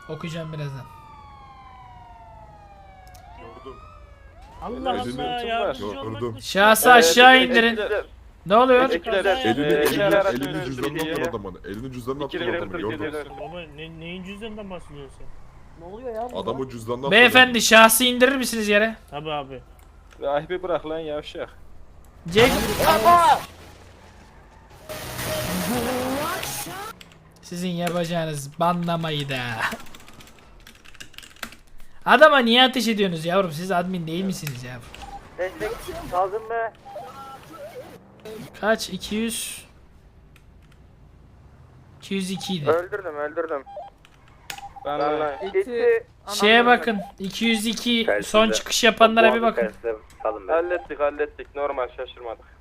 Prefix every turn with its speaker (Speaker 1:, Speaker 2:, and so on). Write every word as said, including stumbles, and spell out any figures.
Speaker 1: Okuyacağım birazdan.
Speaker 2: Gördüm.
Speaker 3: Allah
Speaker 2: Elini
Speaker 3: Allah yardımcı
Speaker 2: gördüm.
Speaker 3: olmak
Speaker 1: Şahsı aşağı indirin. Ne oluyor?
Speaker 3: Ekipler,
Speaker 2: Elini,
Speaker 3: Ee,
Speaker 2: elini,
Speaker 3: araç
Speaker 2: elini
Speaker 3: yönetimi
Speaker 2: cüzdanına
Speaker 3: diye.
Speaker 2: attın adamın. Elini cüzdanına attın adamın. Gördüm.
Speaker 3: Baba ne, neyin cüzdanından bahsediyorsun sen?
Speaker 4: Ne oluyor ya burada?
Speaker 2: Adamı cüzdanına attın.
Speaker 1: Beyefendi şahsı indirir misiniz yere?
Speaker 3: Tabi abi.
Speaker 5: Rahibi bırak lan yavşak.
Speaker 1: Jack. Sizin yapacağınız banlamayı da. Adama niye ateş ediyorsunuz yavrum? Siz admin değil misiniz yavrum?
Speaker 4: Destek lazım mı?
Speaker 1: Kaç? iki yüz iki yüz iki idi.
Speaker 4: Öldürdüm öldürdüm.
Speaker 5: Ben lan.
Speaker 4: İki.
Speaker 1: Şeye bakın. iki yüz iki son çıkış yapanlara bir bakın.
Speaker 5: Hallettik hallettik normal şaşırmadık.